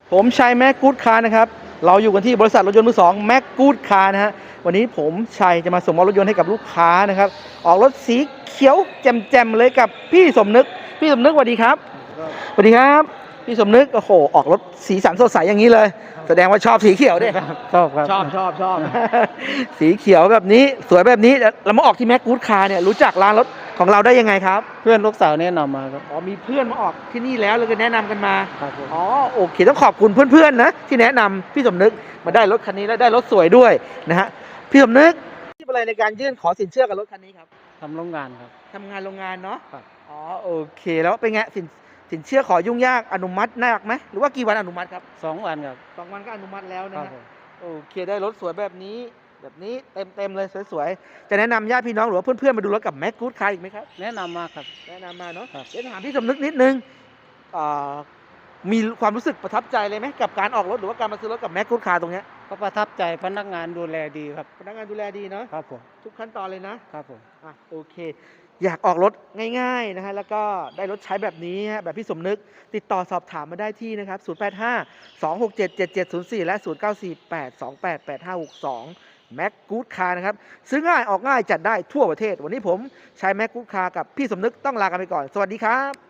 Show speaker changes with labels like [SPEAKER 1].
[SPEAKER 1] ผมชัยแม็กกู๊ดคาร์นะครับเราอยู่กันที่บริษัทรถยนต์มือสองแม็กกู๊ดคาร์นะฮะวันนี้ผมชัยจะมาส่งมอบรถยนต์ให้กับลูกค้านะครับออกรถสีเขียวแจ่มๆเลยกับพี่สมนึกสวัสดีครับสวัสดีครับพี่สมนึกโอ้โหออกรถสีสันสดใสอย่างนี้เลยแสดงว่าชอบสีเขียวด้วย
[SPEAKER 2] ชอบครับ
[SPEAKER 1] ชอบ สีเขียวแบบนี้สวยแบบนี้เรามาออกที่แม็กกู๊ดคาร์เนี่ยรู้จักร้านรถของเราได้ยังไงครับ
[SPEAKER 2] เพื่อนลูกสาวแนะนำมาครับ
[SPEAKER 1] อ๋อมีเพื่อนมาออกที่นี่แล้วเลยก็แนะนำกันมา
[SPEAKER 2] ครับผม
[SPEAKER 1] อ๋อโอเคต้องขอบคุณเพื่อนๆนะที่แนะนำพี่สมนึกมาได้รถคันนี้แล้วได้รถสวยด้วยนะฮะพี่สมนึกที่อะไรในการยื่นขอสินเชื่อกับรถคันนี้ครับ
[SPEAKER 2] ทำโรงงานครับ
[SPEAKER 1] ทำงานโรงงานเนาะ
[SPEAKER 2] ครับ
[SPEAKER 1] อ๋อโอเคแล้วเป็นไงสินเชื่อขอยุ่งยากอนุมัติยากไหมหรือว่ากี่วันอนุมัติครับ
[SPEAKER 2] 2 วันครับ
[SPEAKER 1] 2 วันก็อนุมัติแล้ว
[SPEAKER 2] ค
[SPEAKER 1] นะฮะ
[SPEAKER 2] รับผม
[SPEAKER 1] โอเคได้รถสวยแบบนี้เต็มเลยสวยๆจะแนะนำญาติพี่น้องหรือว่าเพื่อนๆมาดูรถกับแม็กกู๊ดคาร์อีกไหมครับ
[SPEAKER 2] แนะนำมาครับ
[SPEAKER 1] แนะนำมาเนาะ
[SPEAKER 2] ครับ
[SPEAKER 1] เดี๋ยวถามพี่สมนึกนิดนึงอ่ามีความรู้สึกประทับใจเลยไหมกับการออกรถหรือว่าการมาซื้อรถกับแม็กกู๊ดคาร์ตรงเนี้ย
[SPEAKER 2] ก็ประทับใจพนักงานดูแลดีครับ
[SPEAKER 1] พนักงานดูแลดีเนาะ
[SPEAKER 2] ครับผม
[SPEAKER 1] ทุกขั้นตอนเลยนะครับ
[SPEAKER 2] ผม
[SPEAKER 1] โอเคอยากออกรถง่ายๆนะฮะแล้วก็ได้รถใช้แบบนี้ฮะแบบพี่สมนึกติดต่อสอบถามมาได้ที่นะครับ0852677704และ0948288562แม็กกู๊ดคาร์นะครับซื้อง่ายออกง่ายจัดได้ทั่วประเทศวันนี้ผมใช้แม็กกู๊ดคาร์กับพี่สมนึกต้องลากันไปก่อนสวัสดีครับ